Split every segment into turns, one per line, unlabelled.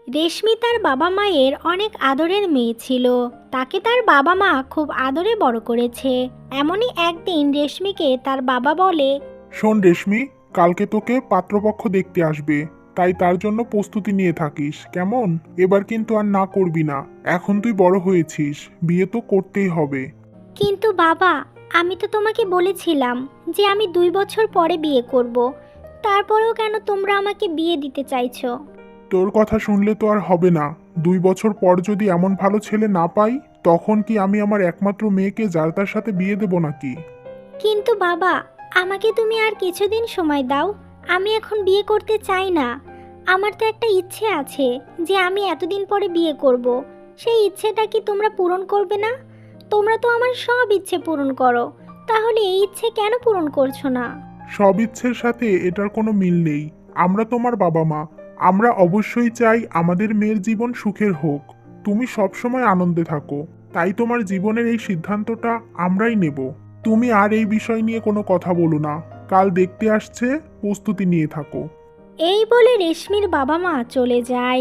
রেশমি তার বাবা মায়ের অনেক আদরের মেয়ে ছিল। তাকে তার বাবা মা খুব আদরে বড় করেছে। এমনই একদিন রেশমিকে তার বাবা বলে,
শোন রেশমি, কালকে তোকে পাত্রপক্ষ দেখতে আসবে, তাই তার জন্য প্রস্তুতি নিয়ে থাকিস কেমন। এবার কিন্তু আর না করবি না, এখন তুই বড় হয়েছিস, বিয়ে তো করতেই হবে।
কিন্তু বাবা, আমি তো তোমাকে বলেছিলাম যে আমি 2 বছর পরে বিয়ে করব। তারপরেও কেন তোমরা আমাকে বিয়ে দিতে চাইছো?
তোর কথা শুনলে তো আর হবে না। 2 বছর পর যদি এমন ভালো ছেলে না পাই, তখন কি আমি আমার একমাত্র মেয়েকে যার তার সাথে বিয়ে দেব নাকি?
কিন্তু বাবা, আমাকে তুমি আর কিছুদিন সময় দাও। আমি এখন বিয়ে করতে চাই না। আমার তো একটা ইচ্ছে আছে যে আমি এতদিন পরে বিয়ে করব। সেই ইচ্ছেটা কি তোমরা পূরণ করবে না? তোমরা তো আমার সব ইচ্ছে পূরণ করো, তাহলে এই ইচ্ছে কেন পূরণ করছো না?
সব ইচ্ছের সাথে এটার কোনো মিল নেই। আমরা তোমার বাবা মা, আমরা অবশ্যই চাই আমাদের মেয়ের জীবন সুখের হোক। তুমি সবসময় আনন্দে থাকো, তাই তোমার জীবনের এই সিদ্ধান্তটা আমরাই নেব। তুমি আর এই বিষয় নিয়ে কোনো কথা বলো না। কাল দেখতে আসছে, প্রস্তুতি নিয়ে থাকো।
এই বলে রেশমির বাবা মা চলে যায়।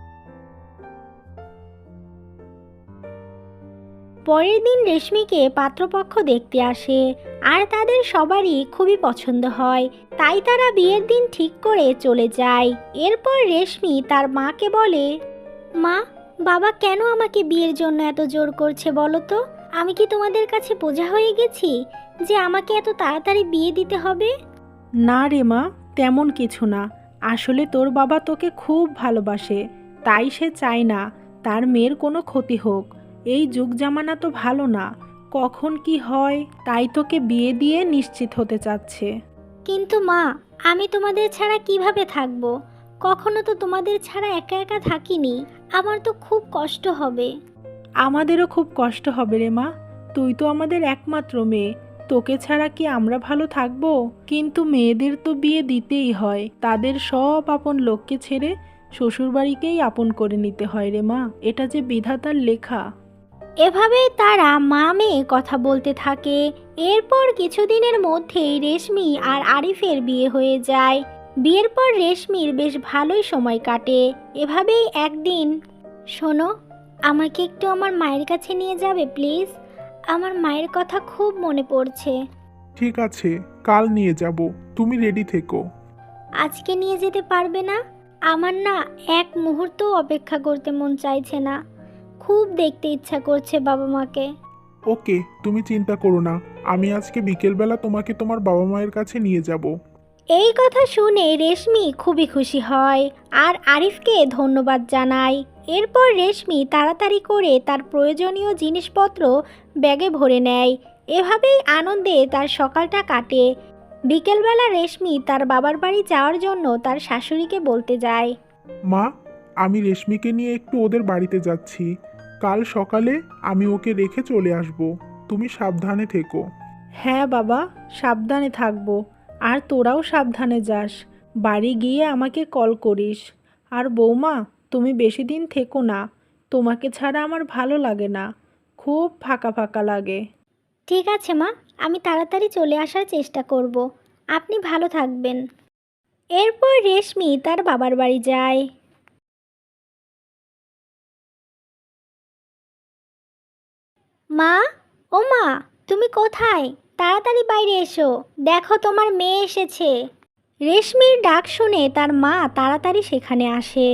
পরের দিন রেশমিকে পাত্রপক্ষ দেখতে আসে, আর তাদের সবারই খুবই পছন্দ হয়। তাই তারা বিয়ের দিন ঠিক করে চলে যায়। এরপর রেশমি তার মাকে বলে, মা, বাবা কেন আমাকে বিয়ের জন্য এত জোর করছে বলো তো? আমি কি তোমাদের কাছে বোঝা হয়ে গেছি যে আমাকে এত তাড়াতাড়ি বিয়ে দিতে হবে?
না রে মা, তেমন কিছু না। আসলে তোর বাবা তোকে খুব ভালোবাসে, তাই সে চায় না তার মেয়ের কোনো ক্ষতি হোক। এই যুগ জামানা তো ভালো না, কখন কি হয়, তাই তোকে বিয়ে দিয়ে নিশ্চিত হতে চাচ্ছে।
কিন্তু মা, আমি তোমাদের ছাড়া কিভাবে থাকবো? কখনো তো তোমাদের ছাড়া একা একা থাকিনি। আমার তো খুব কষ্ট হবে।
আমাদেরও খুব কষ্ট হবে রে মা, তুই তো আমাদের একমাত্র মেয়ে, তোকে ছাড়া কি আমরা ভালো থাকবো? কিন্তু মেয়েদের তো বিয়ে দিতেই হয়, তাদের সব আপন লোককে ছেড়ে শ্বশুরবাড়িকেই আপন করে নিতে হয় রে মা, এটা যে বিধাতার লেখা।
এভাবেই তারা মা মেয়ে কথা বলতে থাকে। এরপর কিছুদিনের মধ্যেই রেশমি আর আরিফের বিয়ে হয়ে যায়। বিয়ের পর রেশমির বেশ ভালোই সময় কাটে। এভাবেই একদিন, শোনো, আমাকে একটু আমার মায়ের কাছে নিয়ে যাবে প্লিজ? আমার মায়ের কথা খুব মনে পড়ছে।
ঠিক আছে, কাল নিয়ে যাব, তুমি রেডি থেকো।
আজকে নিয়ে যেতে পারবে না? আমার না এক মুহূর্তও অপেক্ষা করতে মন চাইছে না। খুব দেখতে ইচ্ছা করছে বাবা মাকে।
ওকে, তুমি চিন্তা করো না, আমি আজকে বিকেলবেলা তোমাকে তোমার বাবা মায়ের কাছে নিয়ে যাব।
এই কথা শুনে রেশমি খুবই খুশি হয় আর আরিফকে ধন্যবাদ জানায়। এরপর রেশমি তাড়াতাড়ি করে তার প্রয়োজনীয় জিনিসপত্র ব্যাগে ভরে নেয়। এভাবেই আনন্দে তার সকালটা কাটে। বিকেলবেলা রেশমি তার বাবার বাড়ি যাওয়ার জন্য তার শাশুড়িকে বলতে যায়।
মা, আমি রেশমিকে নিয়ে একটু ওদের বাড়িতে যাচ্ছি। কাল সকালে আমি ওকে রেখে চলে আসব। তুমি সাবধানে থেকো।
হ্যাঁ বাবা, সাবধানে থাকবো। আর তোরাও সাবধানে যাস, বাড়ি গিয়ে আমাকে কল করিস। আর বৌমা, তুমি বেশি দিন থেকো না, তোমাকে ছাড়া আমার ভালো লাগে না, খুব ফাঁকা ফাঁকা লাগে।
ঠিক আছে মা, আমি তাড়াতাড়ি চলে আসার চেষ্টা করব। আপনি ভালো থাকবেন। এরপর রেশমি তার বাবার বাড়ি যায়। মা, ও মা, তুমি কোথায়? তাড়াতাড়ি বাইরে এসো, দেখো তোমার মেয়ে এসেছে। রেশমির ডাক শুনে তার মা তাড়াতাড়ি সেখানে আসে।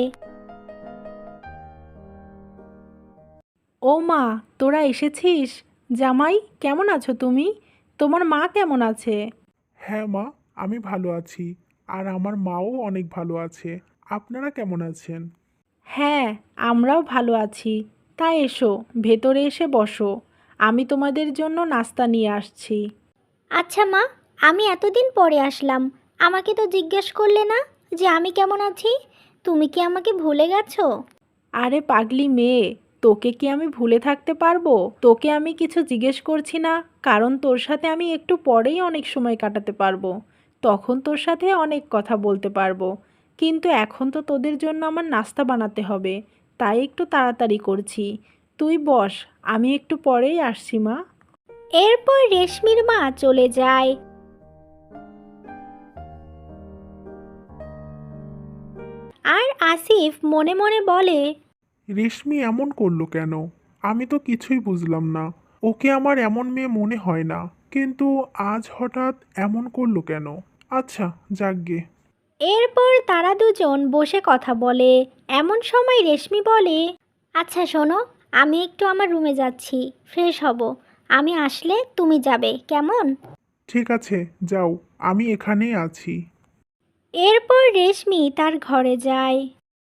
ও মা, তোরা এসেছিস? জামাই, কেমন আছো তুমি? তোমার মা কেমন আছে?
হ্যাঁ মা, আমি ভালো আছি, আর আমার মাও অনেক ভালো আছে। আপনারা কেমন আছেন?
হ্যাঁ, আমরাও ভালো আছি। তা এসো, ভেতরে এসে বসো, আমি তোমাদের জন্য নাস্তা নিয়ে আসছি।
আচ্ছা মা, আমি এতদিন পরে আসলাম, আমাকে তো জিজ্ঞেস করলে না যে আমি কেমন আছি। তুমি কি আমাকে ভুলে গেছো?
আরে পাগলি মেয়ে, তোকে কি আমি ভুলে থাকতে পারবো? তোকে আমি কিছু জিজ্ঞেস করছি না, কারণ তোর সাথে আমি একটু পরেই অনেক সময় কাটাতে পারবো, তখন তোর সাথে অনেক কথা বলতে পারবো। কিন্তু এখন তো তোদের জন্য আমার নাস্তা বানাতে হবে, তাই একটু তাড়াতাড়ি করছি। তুই বস, আমি একটু পরেই আসছি মা।
এরপর রেশমির মা চলে যায়। আর আসিফ মনে মনে বলে,
রেশমি এমন করলো কেন? আমি তো কিছুই বুঝলাম না। ওকে আমার এমন মেয়ে মনে হয় না, কিন্তু আজ হঠাৎ এমন করলো কেন? আচ্ছা, যাকগে।
এরপর তারা দুজন বসে কথা বলে। এমন সময় রেশমি বলে, আচ্ছা শোনো, আমি একটু আমার রুমে যাচ্ছি, ফ্রেশ হব। আমি আসলে তুমি যাবে, কেমন?
ঠিক আছে, যাও, আমি এখানেই আছি।
এরপর রেশমি তার ঘরে যায়।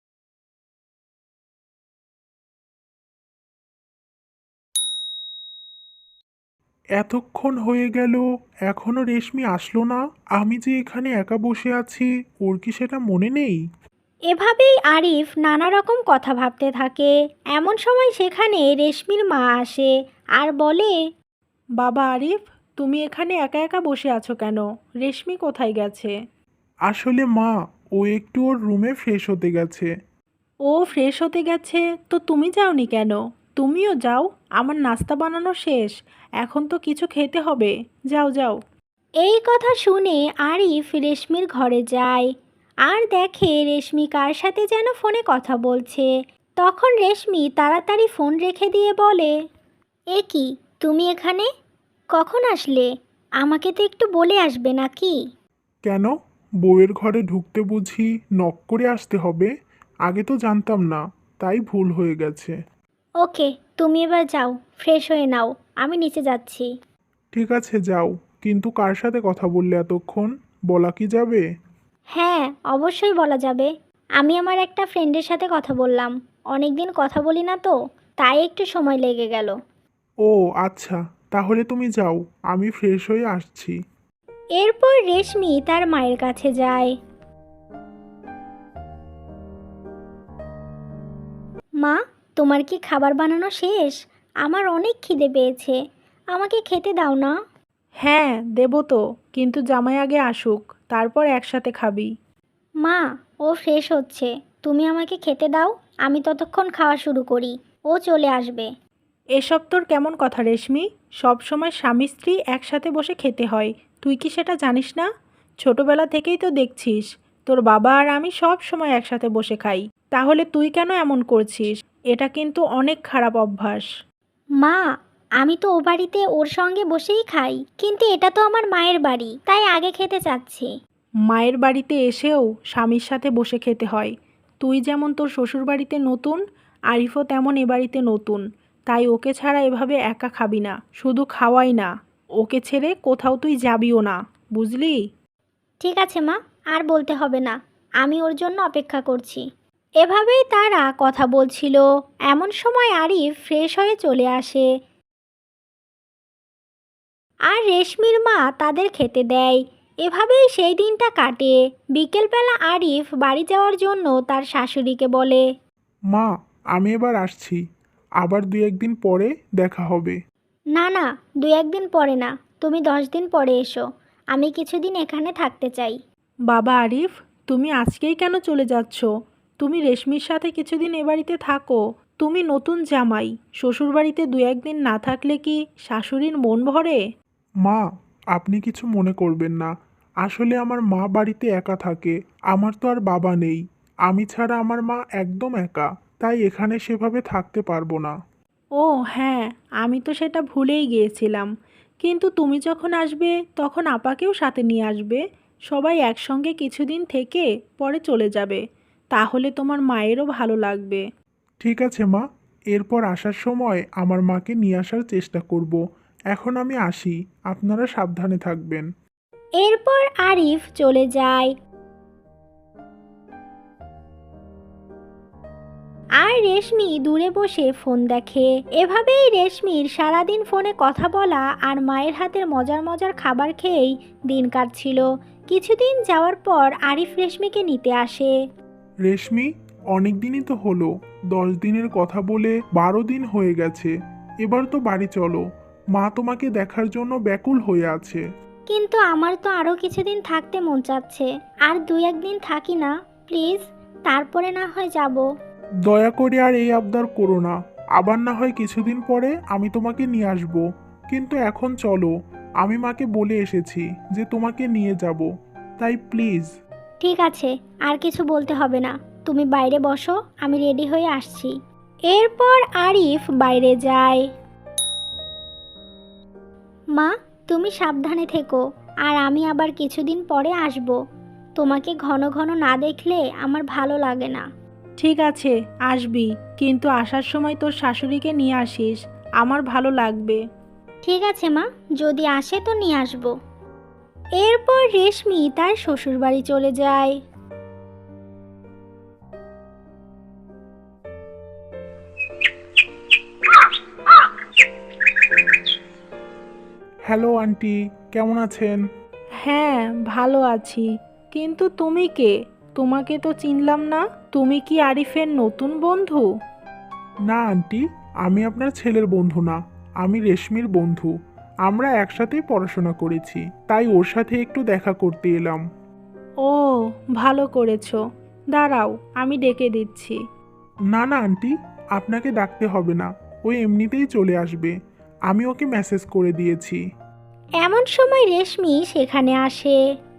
এতক্ষণ হয়ে গেল, এখনো রেশমি আসলো না। আমি যে এখানে একা বসে আছি, ওর কি সেটা মনে নেই?
এভাবেই আরিফ নানা রকম কথা ভাবতে থাকে। এমন সময় সেখানে রেশমির মা আসে আর বলে,
বাবা আরিফ, তুমি এখানে একা একা বসে আছো কেন? রেশমি কোথায় গেছে?
আসলে মা, ও একটু ওর রুমে ফ্রেশ হতে গেছে।
ও ফ্রেশ হতে গেছে, তো তুমি যাওনি কেন? তুমিও যাও, আমার নাস্তা বানানো শেষ। এখন তো কিছু খেতে হবে। যাও যাও।
এই কথা শুনে আরিফ রেশমির ঘরে যায় আর দেখে রেশমি কার সাথে যেন ফোনে কথা বলছে। তখন রেশমি তাড়াতাড়ি ফোন রেখে দিয়ে বলে, এ কি, তুমি এখানে কখন আসলে? আমাকে তো একটু বলে আসবে নাকি?
কেন? বউয়ের ঘরে ঢুকতে বুঝি নক করে আসতে হবে? আগে তো জানতাম না, তাই ভুল হয়ে গেছে।
ওকে, তুমি এবার যাও, ফ্রেশ হয়ে নাও, আমি নিচে যাচ্ছি।
ঠিক আছে, যাও। কিন্তু কার সাথে কথা বললে এতক্ষণ? বলা কি যাবে?
হ্যাঁ, অবশ্যই বলা যাবে। আমি আমার একটা ফ্রেন্ডের সাথে কথা বললাম। অনেক দিন কথা বলি না তো, তাই একটু সময় লেগে গেল।
ও আচ্ছা, তাহলে তুমি যাও, আমি ফ্রেশ হয়ে আসছি।
এরপর রেশমি তার মায়ের কাছে যায়। মা, তোমার কি খাবার বানানো শেষ? আমার অনেক খিদে পেয়েছে, আমাকে খেতে দাও না।
হ্যাঁ, দেবো তো, কিন্তু জামাই আগে আসুক, তারপর একসাথে খাবি।
মা, ও ফ্রেশ হচ্ছে, তুমি আমাকে খেতে দাও, আমি ততক্ষণ খাওয়া শুরু করি, ও চলে আসবে।
এসব তোর কেমন কথা রেশমি? সব সময় স্বামী স্ত্রী একসাথে বসে খেতে হয়, তুই কি সেটা জানিস না? ছোটবেলা থেকেই তো দেখছিস, তোর বাবা আর আমি সব সময় একসাথে বসে খাই। তাহলে তুই কেন এমন করছিস? এটা কিন্তু অনেক খারাপ অভ্যাস।
মা, আমি তো ও বাড়িতে ওর সঙ্গে বসেই খাই, কিন্তু এটা তো আমার মায়ের বাড়ি, তাই আগে খেতে চাচ্ছি।
মায়ের বাড়িতে এসেও স্বামীর সাথে বসে খেতে হয়। তুই যেমন তোর শ্বশুর বাড়িতে নতুন, আরিফও তেমন এ বাড়িতে নতুন, তাই ওকে ছাড়া এভাবে একা খাবি না। শুধু খাওয়াই না, ওকে ছেড়ে কোথাও তুই যাবিও না, বুঝলি?
ঠিক আছে মা, আর বলতে হবে না, আমি ওর জন্য অপেক্ষা করছি। এভাবেই তারা কথা বলছিল। এমন সময় আরিফ ফ্রেশ হয়ে চলে আসে আর রেশমির মা তাদের খেতে দেয়। এভাবেই সেই দিনটা কাটে। বিকেলবেলা আরিফ বাড়ি যাওয়ার জন্য তার শাশুড়িকে বলে,
মা, আমি এবার আসছি। আবার 2-1 দিন পরে দেখা হবে।
না না, 2-1 দিন পরে না, তুমি 10 দিন পরে এসো, আমি কিছুদিন এখানে থাকতে চাই।
বাবা আরিফ, তুমি আজকেই কেন চলে যাচ্ছ? তুমি রেশমির সাথে কিছুদিন এ বাড়িতে থাকো। তুমি নতুন জামাই, শ্বশুরবাড়িতে 2-1 দিন না থাকলে কি শাশুড়ির মন ভরে?
মা, আপনি কিছু মনে করবেন না। আসলে আমার মা বাড়িতে একা থাকে। আমার তো আর বাবা নেই। আমি ছাড়া আমার মা একদম একা। তাই এখানে সেভাবে থাকতে পারবো না।
ও হ্যাঁ, আমি তো সেটা ভুলেই গিয়েছিলাম। কিন্তু তুমি যখন আসবে তখন আপাকেও সাথে নিয়ে আসবে। সবাই একসঙ্গে কিছুদিন থেকে পরে চলে যাবে। তাহলে তোমার মায়েরও ভালো লাগবে।
ঠিক আছে মা, এরপর আসার সময় আমার মাকে নিয়ে আসার চেষ্টা করব। এখন আমি আসি, আপনারা সাবধানে থাকবেন।
এরপর আরিফ চলে যায় আর রেশমি দূরে বসে ফোন দেখে। এভাবেই রেশমির সারাদিন ফোনে কথা বলা আর মায়ের হাতের মজার মজার খাবার খেয়েই দিন কাটছিল। কিছুদিন যাওয়ার পর আরিফ রেশমিকে নিতে আসে।
রেশমি, অনেক দিনই তো হলো। 10 দিনের কথা বলে 12 দিন হয়ে গেছে। এবার তো বাড়ি চলো। মা তোমাকে দেখার জন্য ব্যাকুল হয়ে আছে।
কিন্তু আমার তো আরও কিছুদিন থাকতে মন চাচ্ছে, আর 2-1 দিন থাকি না প্লিজ, তারপরে না হয় যাব।
দয়া করে আর এই আবদার করো না। আবার না হয় কিছুদিন পরে আমি তোমাকে নিয়ে আসব। কিন্তু এখন চলো। আমি মাকে বলে এসেছি যে তোমাকে নিয়ে যাব। তাই প্লিজ।
ঠিক আছে, আর কিছু বলতে হবে না, তুমি বাইরে বসো, আমি রেডি হয়ে আসছি। এরপর আরিফ বাইরে যায়। মা, তুমি সাবধানে থেকো, আর আমি আবার কিছুদিন পরে আসব। তোমাকে ঘন ঘন না দেখলে আমার ভালো লাগে না।
ঠিক আছে, আসবি, কিন্তু আসার সময় তোর শাশুড়িকে নিয়ে আসিস, আমার ভালো লাগবে।
ঠিক আছে মা, যদি আসে তো নিয়ে আসব। এরপর রেশমি তার শ্বশুরবাড়ি চলে যায়।
হ্যালো আন্টি, কেমন আছেন?
হ্যাঁ, ভালো আছি, কিন্তু তুমি কে? তোমাকে তো চিনলাম না। তুমি কি আরিফের নতুন বন্ধু?
না আন্টি, আমি আপনার ছেলের বন্ধু না, আমি রেশমির বন্ধু। আমরা একসাথেই পড়াশোনা করেছি, তাই ওর সাথে একটু দেখা করতে এলাম।
ও, ভালো করেছো। দাঁড়াও, আমি ডেকে দিচ্ছি।
না না আন্টি, আপনাকে ডাকতে হবে না, ও এমনিতেই চলে আসবে। আমি ওকে মেসেজ করে দিয়েছি।
এমন সময় রেশমি সেখানে আসে।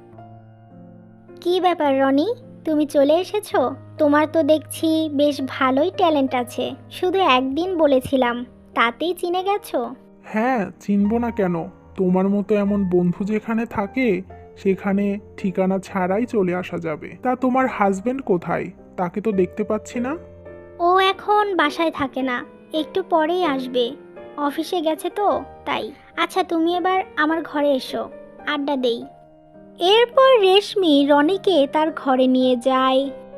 কি ব্যাপার রনি, তুমি চলে এসেছো? তোমার তো দেখছি বেশ ভালোই ট্যালেন্ট আছে। শুধু একদিন বলেছিলাম, তাতেই চিনে গেছো।
হ্যাঁ, চিনব না কেন? তোমার মতো এমন বন্ধু যেখানে থাকে সেখানে ঠিকানা ছাড়াই চলে আসা যাবে। তা তোমার হাজবেন্ড কোথায়? তাকে তো দেখতে পাচ্ছি না।
ও এখন বাসায় থাকে না, একটু পরেই আসবে। অফিসে গেছে তো, তাই। আচ্ছা, তুমি এবার আমার ঘরে এসো, আড্ডা দেই। এরপর রেশমি রনিকে তার ঘরে নিয়ে যায়।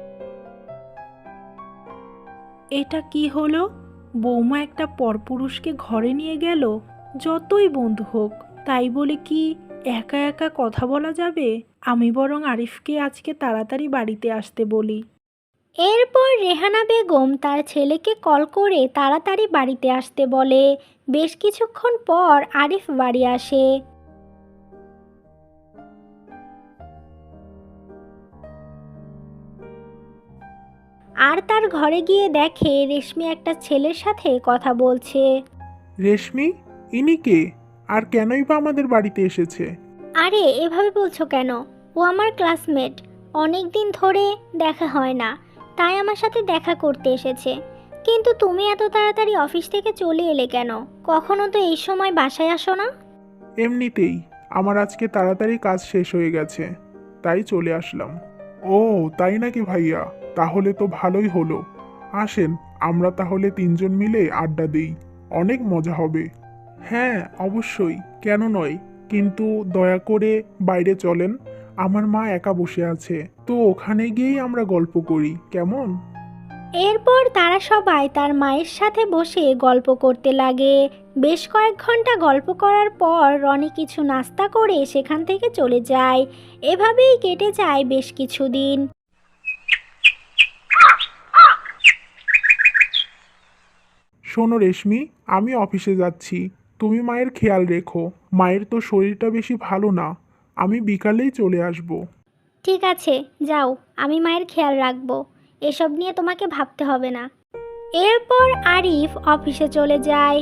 এটা কি হলো? বৌমা একটা পরপুরুষকে ঘরে নিয়ে গেল। যতই বন্ধু হোক, তাই বলে কি একা একা কথা বলা যাবে? আমি বরং আরিফকে আজকে তাড়াতাড়ি বাড়িতে আসতে বলি।
এরপর রেহানা বেগম তার ছেলেকে কল করে তাড়াতাড়ি বাড়িতে আসতে বলে। বেশ কিছুক্ষণ পর আরিফ বাড়ি আসে। আর তার ঘরে গিয়ে দেখে রেশমি একটা ছেলের সাথে কথা বলছে।
রেশমি, ইনি কে? আর কেনই বা আমাদের বাড়িতে এসেছে?
আরে এভাবে বলছো কেন? ও আমার ক্লাসমেট, অনেক দিন ধরে দেখা হয় না, তাই আমার সাথে দেখা করতে এসেছে। কিন্তু তুমি এত তাড়াতাড়ি অফিস থেকে চলে এলে কেন? কখনো তো এই সময় বাসায় আসো না।
এমনিতেই আমার আজকে তাড়াতাড়ি কাজ শেষ হয়ে গেছে, তাই চলে আসলাম। ও, তাই নাকি ভাইয়া? তাহলে তো ভালোই হলো। আসেন, আমরা তাহলে তিনজন মিলে আড্ডা দিই, অনেক মজা হবে। হ্যাঁ, অবশ্যই, কেন নয়। কিন্তু দয়া করে বাইরে চলেন, আমার মা একা বসে আছে, তো ওখানে গিয়েই আমরা গল্প করি, কেমন?
এরপর তারা সবাই তার মায়ের সাথে বসে গল্প করতে লাগে। বেশ কয়েক ঘন্টা গল্প করার পর রনি কিছু নাস্তা করে সেখান থেকে চলে যায়। এভাবেই কেটে যায় বেশ কিছুদিন।
শোনো রেশমি, আমি অফিসে যাচ্ছি, তুমি মায়ের খেয়াল রেখো। মায়ের তো শরীরটা বেশি ভালো না, আমি বিকালেই চলে আসব।
ঠিক আছে, যাও, আমি মায়ের খেয়াল রাখবো। এসব নিয়ে তোমাকে ভাবতে হবে না। এরপর আরিফ অফিসে চলে যায়।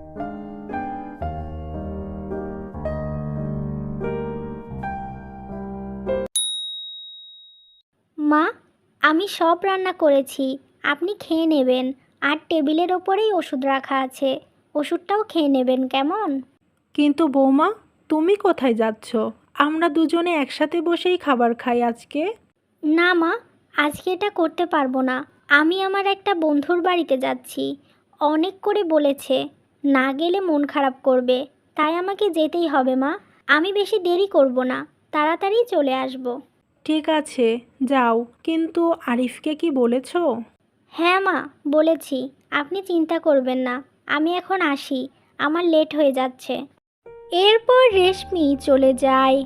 মা, আমি সব রান্না করেছি, আপনি খেয়ে নেবেন। আর টেবিলের ওপরেই ওষুধ রাখা আছে, ওষুধটাও খেয়ে নেবেন, কেমন?
কিন্তু বৌমা, তুমি কোথায় যাচ্ছ? আমরা দুজনে একসাথে বসেই খাবার খাই আজকে।
না মা, আজকে এটা করতে পারবো না। আমি আমার একটা বন্ধুর বাড়িতে যাচ্ছি, অনেক করে বলেছে, না গেলে মন খারাপ করবে, তাই আমাকে যেতেই হবে মা। আমি বেশি দেরি করব না, তাড়াতাড়ি চলে আসব।
ঠিক আছে, যাও, কিন্তু আরিফকে কি বলেছো?
হ্যাঁ মা, বলেছি, আপনি চিন্তা করবেন না। আমি এখন আসি, আমার লেট হয়ে যাচ্ছে। এরপর রেশমি চলে যায়।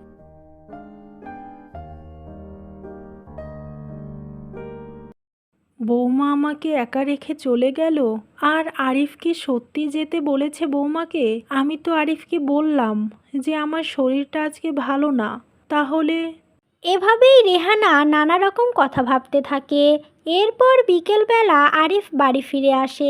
বৌমা আমাকে একা রেখে চলে গেল। আর আরিফ কি সত্যি যেতে বলেছে বৌমাকে? আমি তো আরিফকে বললাম যে আমার শরীরটা আজকে ভালো না। তাহলে
এভাবেই রেহানা নানা রকম কথা ভাবতে থাকে। এরপর বিকেলবেলা আরিফ বাড়ি ফিরে আসে।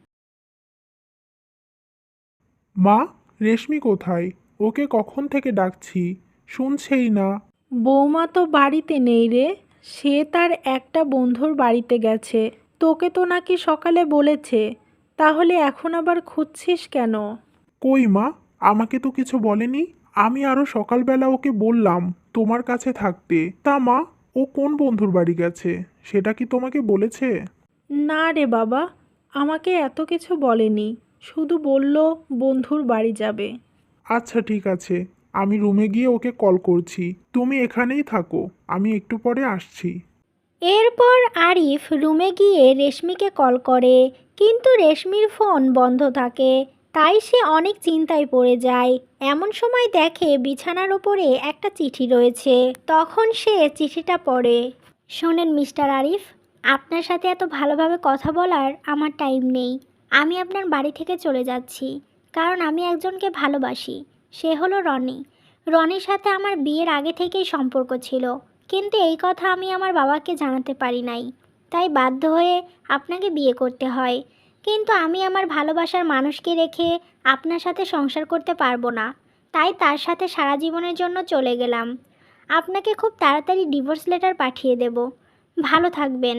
মা, রেশমি কোথায়? ওকে কখন থেকে ডাকছি, শুনছেই না।
বৌমা তো বাড়িতে নেই রে। সে তার একটা বন্ধুর বাড়িতে গেছে। তোকে তো নাকি সকালে বলেছে, তাহলে এখন আবার খুঁজছিস কেন?
কই মা, আমাকে তো কিছু বলেনি। আমি আরো সকালবেলা ওকে বললাম তোমার কাছে থাকতে। তা মা, ও কোন বন্ধুর বাড়ি গেছে সেটা কি তোমাকে বলেছে?
না রে বাবা, আমাকে এত কিছু বলেনি, শুধু বলল বন্ধুর বাড়ি যাবে।
আচ্ছা ঠিক আছে, আমি রুমে গিয়ে ওকে কল করছি। তুমি এখানেই থাকো, আমি একটু পরে আসছি।
এরপর আরিফ রুমে গিয়ে রেশমিকে কল করে, কিন্তু রেশমির ফোন বন্ধ থাকে। তাই সে অনেক চিন্তায় পড়ে যায়। এমন সময় দেখে বিছানার ওপরে একটা চিঠি রয়েছে। তখন সে চিঠিটা পড়ে। শোনেন মিস্টার আরিফ, আপনার সাথে এত ভালোভাবে কথা বলার আমার টাইম নেই। আমি আপনার বাড়ি থেকে চলে যাচ্ছি, কারণ আমি একজনকে ভালোবাসি। সে হলো রনি। রনির সাথে আমার বিয়ের আগে থেকেই সম্পর্ক ছিল, কিন্তু এই কথা আমি আমার বাবাকে জানাতে পারি নাই। তাই বাধ্য হয়ে আপনাকে বিয়ে করতে হয়। কিন্তু আমি আমার ভালোবাসার মানুষকে রেখে আপনার সাথে সংসার করতে পারবো না। তাই তার সাথে সারা জীবনের জন্য চলে গেলাম। আপনাকে খুব তাড়াতাড়ি ডিভোর্স লেটার পাঠিয়ে দেব। ভালো থাকবেন।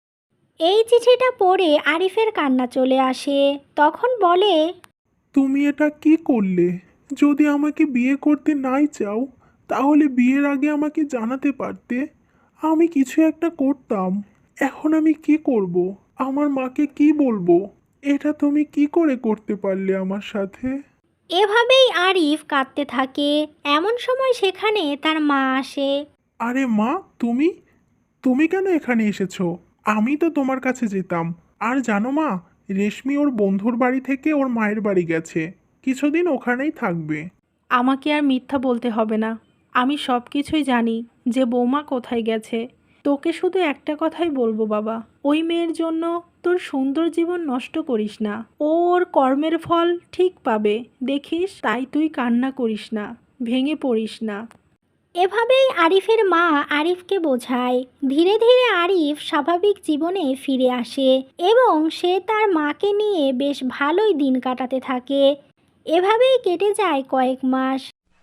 এই চিঠিটা পড়ে আরিফের কান্না চলে আসে। তখন বলে,
তুমি এটা কি করলে? যদি আমাকে বিয়ে করতে নাই চাও, তাহলে বিয়ের আগে আমাকে জানাতে পারতে। আমি কিছু একটা করতাম। এখন আমি কি করব? আমার মাকে কি বলবো? এটা তুমি কি করে করতে পারলে আমার সাথে?
এভাবেই আরিফ কাঁদতে থাকে। এমন সময় সেখানে তার মা আসে।
আরে মা, তুমি তুমি কেন এখানে এসেছো? আমি তো তোমার কাছে যেতাম। আর জানো মা, রেশমি ওর বন্ধুর বাড়ি থেকে ওর মায়ের বাড়ি গেছে। কিছুদিন ওখানেই থাকবে।
আমাকে আর মিথ্যা বলতে হবে না, আমি সব কিছুই জানি যে বৌমা কোথায় গেছে। তোকে শুধু একটা কথাই বলবো বাবা, ওই মেয়ের জন্য তোর সুন্দর জীবন নষ্ট করিস না। ও ওর কর্মের ফল ঠিক পাবে, দেখিস। তাই তুই কান্না করিস না, ভেঙে পড়িস না।
এভাবেই আরিফের মা আরিফকে বোঝায়। ধীরে ধীরে আরিফ স্বাভাবিক জীবনে ফিরে আসে এবং সে তার মাকে নিয়ে বেশ ভালোই দিন কাটাতে থাকে। এভাবেই কেটে যায় কয়েক মাস।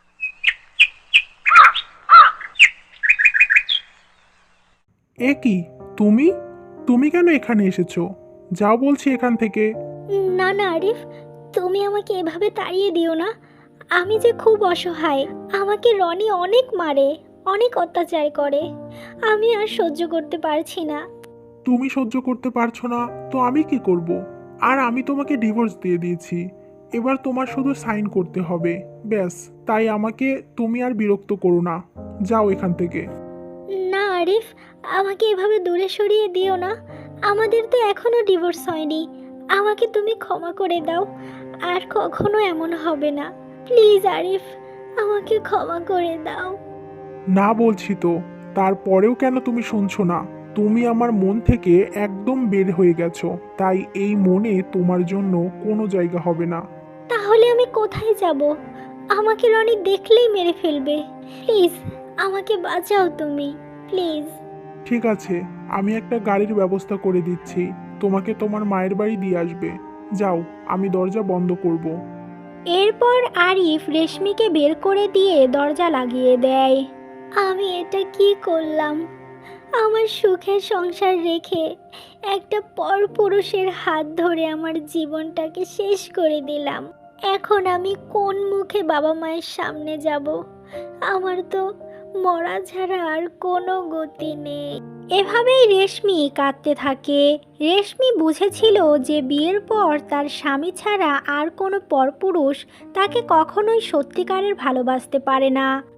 এ কি, তুমি তুমি কেন এখানে এসেছো? যাও বলছি এখান থেকে।
না না আরিফ, তুমি আমাকে এভাবে তাড়িয়ে দিও না। আমি যে খুব অসহায়। আমাকে রনি অনেক মারে, অনেক অত্যাচার করে। আমি আর সহ্য করতে পারছি না।
তুমি সহ্য করতে পারছো না তো আমি কি করব? আর আমি তোমাকে ডিভোর্স দিয়ে দিয়েছি। এবার তোমার শুধু সাইন করতে হবে, ব্যাস। তাই আমাকে তুমি আর বিরক্ত করো না। যাও এখান থেকে।
না আরিফ, আমাকে এভাবে দূরে সরিয়ে দিও না। আমাদের তো এখনো ডিভোর্স হয়নি। আমাকে তুমি ক্ষমা করে দাও। আর কখনো এমন হবে না। প্লিজ আরিফ, আমাকে ক্ষমা করে দাও।
না বলছি তো, তারপরেও কেন তুমি শুনছো না? তুমি আমার মন থেকে একদম বের হয়ে গেছো। তাই এই মনে তোমার জন্য কোনো জায়গা হবে না।
তাহলে আমি কোথায় যাব? আমাকে রনি দেখলেই মেরে ফেলবে। প্লিজ, আমাকে বাঁচাও তুমি, প্লিজ।
ঠিক আছে, আমি একটা গাড়ির ব্যবস্থা করে দিচ্ছি। তোমাকে তোমার মায়ের বাড়ি দিয়ে আসবে। যাও, আমি দরজা বন্ধ করব।
এরপর আরিফ রেশমিকে বের করে দিয়ে দরজা লাগিয়ে দেয়। আমি এটা কি করলাম? আমার সুখের সংসার রেখে একটা পরপুরুষের হাত ধরে আমার জীবনটাকে শেষ করে দিলাম। এখন আমি কোন মুখে বাবা মায়ের সামনে যাব? আমার তো মরা ছাড়া আর কোনো গতি নেই। এভাবেই রেশমি কাঁদতে থাকে। রেশমি বুঝেছিল যে বিয়ের পর তার স্বামী ছাড়া আর কোনো পরপুরুষ তাকে কখনোই সত্যিকারের ভালোবাসতে পারে না।